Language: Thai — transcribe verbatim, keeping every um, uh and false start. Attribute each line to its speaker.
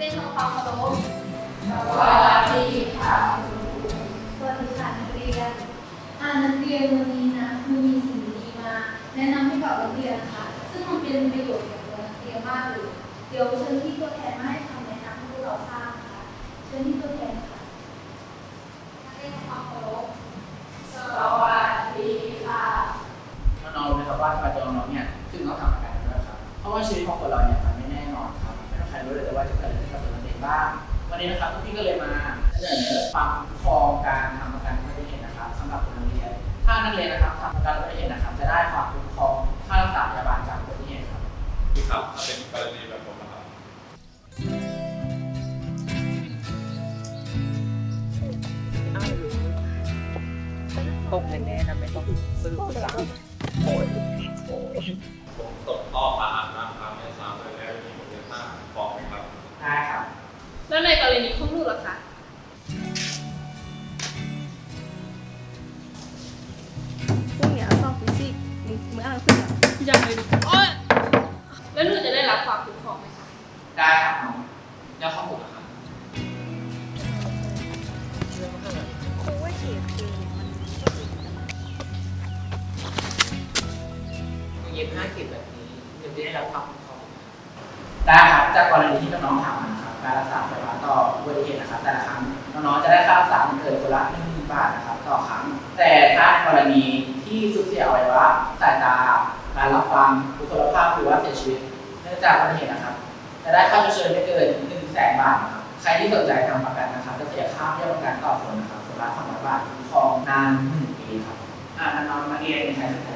Speaker 1: รียนทำความเคารพ
Speaker 2: สวัสดีค่ะ
Speaker 3: สวัสดีค่ะนักเรียนอ่านักเรียนวันนี้นะครูมีสิ่งดีๆมาแนะนำให้กับนักเรียนนะคะซึ่งมันเป็นประโยชน์กับตัวนักเรียนมากเลยเดี๋ยวเชิญที่ตัวแทนมาให้คำแนะนำให้พวกเราทราบนะคะเชิญที่ตัวแทนค่ะ
Speaker 1: นักเรียนทำความเคารพ
Speaker 2: สวัสดีค่ะ
Speaker 4: น้องๆรู้ไหมครับว่าทำไมตัวน้องเนี่ยถึงต้องทำประกันด้วยครับเพราะว่าชีวิตของคนเราเนี่ยมันไม่แน่นอนครับไม่ต้องใครรู้เลยว่าจะเกิดอะไรขึ้นกับตัวเราเองบ้างวันนี้นะครับพี่ก็เลยมาเสนอความคุ้มครองการทำประกันอุบัติเหตุนะครับสำหรับคนนักเรียนถ้านักเรียนนะครับทำประกันอุบัติเหตุนะครับจะได้ความคุ้มครองค่ารักษาพยาบาลจากอุบัติเหตุครับ
Speaker 5: พี่ครับถ้าเป็นกรณีแบบผมนะครับ
Speaker 6: ตกแน่ๆนะไม่ต้องซื้อซ้ำ
Speaker 5: ผมตกท่อผ่าอาบน้ำครับไม่ทราบเลยแล้วมีผมเรียนมากบอกไหมครับ
Speaker 4: ได้ครับ
Speaker 1: แล้วในกรณีของลูกล่ะคะ
Speaker 7: พรุ่งนี้สอบฟิสิกส์มึงมึงอ่านหนังสือเหรอ
Speaker 1: ยังเลยดิโอ๊ยแล้วหนูจะได้รับความคุ้มครองไหมคะ
Speaker 4: ได้ครับน้องแล้วข้อมูลนะครับ
Speaker 7: ครูว่าเขียนคือมันก็ติดกัน
Speaker 6: เย็บห้าเข็มแบบนี้ยังจะได้รับความคุ้มครอง
Speaker 4: ได้ครับจากกรณีที่น้องๆถามมานะครับการรักษาพยาบาลต่ออุบัติเหตุนะครับแต่ละครั้งน้องๆจะได้ค่ารักษาเกินคนละหนึ่งหมื่นบาทนะครับต่อครั้งแต่ถ้าในกรณีที่สูญเสียอวัยวะสายตาการรับฟังบุคลิกภาพหรือว่าเสียชีวิตเนื่องจากอุบัติเหตุนะครับจะได้ค่าชดเชยไม่เกินหนึ่งแสนบาทนะครับใครที่สนใจทำประกันนะครับจะเสียค่าเบี้ยประกันต่อคนนะครับคนละสองร้อยบาทคุ้มครองนานหนึ่งปีครับอ่าน้องๆนักเรียนมีใครสนใจ